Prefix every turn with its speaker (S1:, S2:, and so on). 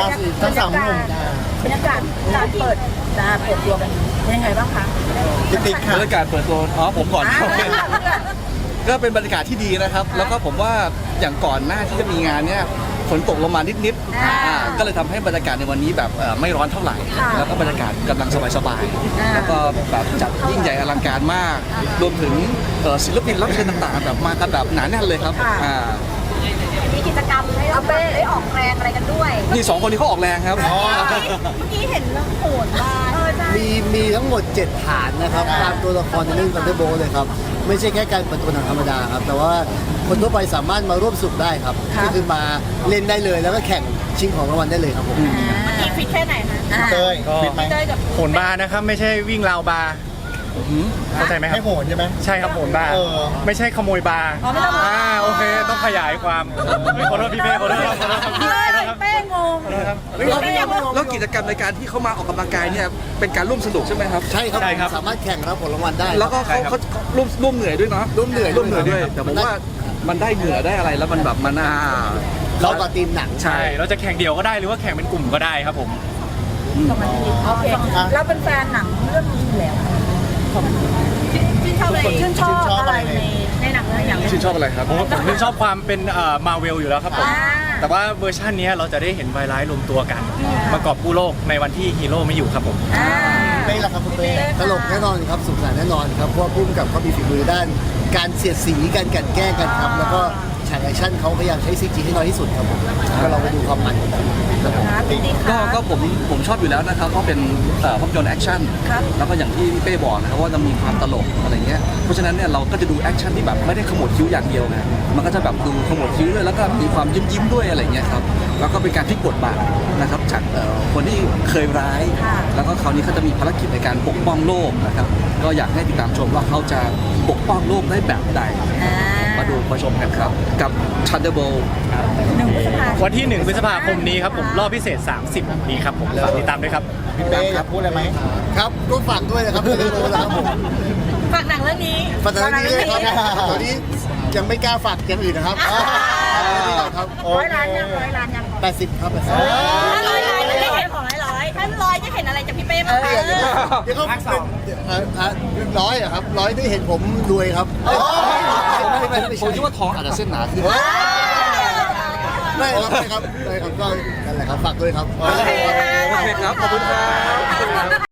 S1: ทั้งสามหนุ่ม
S2: บรรยากาศการเปิดตัวกันยังไงบ้างคะ
S1: ติ๊กค่ะ
S3: บรรยากาศเปิดตัวผมก่อน ก็เป็นบรรยากาศที่ดีนะครับ แล้วก็ผมว่าอย่างก่อนหน้าที่จะมีงานเนี่ยฝนตกลงมานิดๆก็เลยทำให้บรรยากาศในวันนี้แบบไม่ร้อนเท่าไหร่ แล้วก็บรรยากาศกำลังสบายๆแล้วก็แบบจัดยิ่งใหญ่อลังการมาก รวมถึงศิลปินรับเชิญต่างๆแบบมากันแบบหนาแน่นเลยครับ
S4: มีกิจกรรมให้เราได้ออกแรงอะไรกันด้วย
S3: นี่สองคนนี้เขาออกแรงครับ
S4: เมื่อกี้เห็นเรื่องโหดมาใช่
S5: มีทั้งหมด 7 ฐานนะครับตามตัวละครในเรื่อง Thunderbolt เลยครับไม่ใช่แค่การเปิดตัวหนังธรรมดาครับแต่ว่าคนทั่วไปสามารถมาร่วมสนุกได้ครับก็คือมาเล่นได้เลยแล้วก็แข่งชิงของรางวัลได้เลยครับผม
S4: เมื่อกี้ฟิตแค่ไหนคะ
S1: เต้ย
S6: ก็
S1: ฟิตไหม
S4: เต้ยกับ
S6: โหนบาร์นะครับไม่ใช่วิ่งราวบาร์เข้าใจไหมครั
S1: ให้
S6: บ
S1: โหนใช่ไหม
S6: ใช่ครับโหนบาร์
S1: เออ
S6: ไม่ใช่ขโมยบาร์โอเคต้องขยายความขอโทษพี่เป้ขอโทษครับ
S4: เป้งง
S3: แล้วกิจกรรมในการที่เขามาออกกำลังกายเนี่ยเป็นการร่วมสนุกใช่ไหมครับ
S5: ใช่ครับผมสามารถแข่งรับผลรางวัลได้
S3: แล้วก็เขาร่วมเหนื่อยด้วยเนาะ
S5: ร่วมเหนื่อย
S3: ด้วยแต่ผมว่ามันได้เหงื่อได้อะไรแล้วมันแบบมัน
S5: เราต่อทีมหนัง
S6: ใช่เราจะแข่งเดี่ยวก็ได้หรือว่าแข่งเป็นกลุ่มก็ได้ครับผม
S2: โอเคเราเป็นแฟนหนังเรื่องนี้อยู่แล้ว
S4: ชื่นชอบอะไร
S2: ชื่นชอบอะไรในหนังเรื่องอย่าง
S3: ชื่นชอบอะไรครับ
S6: ผมชอบความเป็นมาเวลอยู่แล้วครับผมแต่ว่าเวอร์ชันนี้เราจะได้เห็นไวร้ายรวมตัวกันประกอบกู้โลกในวันที่ฮีโร่ไม่อยู่ครับผม
S1: เต้ยล่ะครับคุณเต้ย
S5: ตลกแน่นอนครับสุขสันต์แน่นอนครับเพราะว่าพุ่มกับเขามีฝีมือด้าน การเสียดสีการกลั่นแกล้งกันครับแล้วก็ฉากแอคชั่นเขาพยายามใช้ CG ให้น้อยที่สุดครับผมก็เราไปดูความมันกันครับ
S3: ก็ผมชอบอยู่แล้วนะครับเพราะเป็นภาพยนตร์แอคชั่นแล้วก็อย่างที่พี่เป้บอกนะครับว่าจะมีความตลกอะไรเงี้ยเพราะฉะนั้นเนี่ยเราก็จะดูแอคชั่นที่แบบไม่ได้ขมวดคิ้วอย่างเดียวไงมันก็จะแบบดูขมวดคิ้วด้วยแล้วก็มีความยิ้มด้วยอะไรเงี้ยครับแล้วก็เป็นการพลิกบทบาทนะครับจากคนที่เคยร้าย แล้วก็คราวนี้เขาจะมีภารกิจในการปกป้องโลกนะครับก็อยากให้ติดตามชมว่าเขาจะปกป้องโลกได้แบบใดมาชมกันครับกับ Thunderbolt
S6: วันที่ 1 พฤษภาคมนี้ครับผมรอบพิเศษ 30 นี้ครับผมฝากติดตามด้วยครับ
S1: พี่เต้อยากพูดอะไรไหม
S5: ครับก็ฝากด้วยนะครับเรื่องโลนะครับผม
S4: ฝากหนังเรื่องนี้
S5: ฝากตอนนี้ด้วยครับตอนนี้ยังไม่กล้าฝากอย่างอื่นนะครับครับ
S4: 100 ล้านยัง
S5: 80ครับ80
S4: 100 ล้านจะได้เห็นของ100ถ้า100จะเห็นอะไรจากพี่เป้บ้างคะ
S5: เดี๋ยวเขาเป็นร้อยอะครับร้อยได้เห็นผมรวยครับ
S3: ผมคิดว่าท้องอาจจะเส้นหนาขึ้น
S5: ได้ครับได้ครับก็นั่นแหละครับฝากด้วยครับ
S3: โอเคครับ ขอบคุณครับ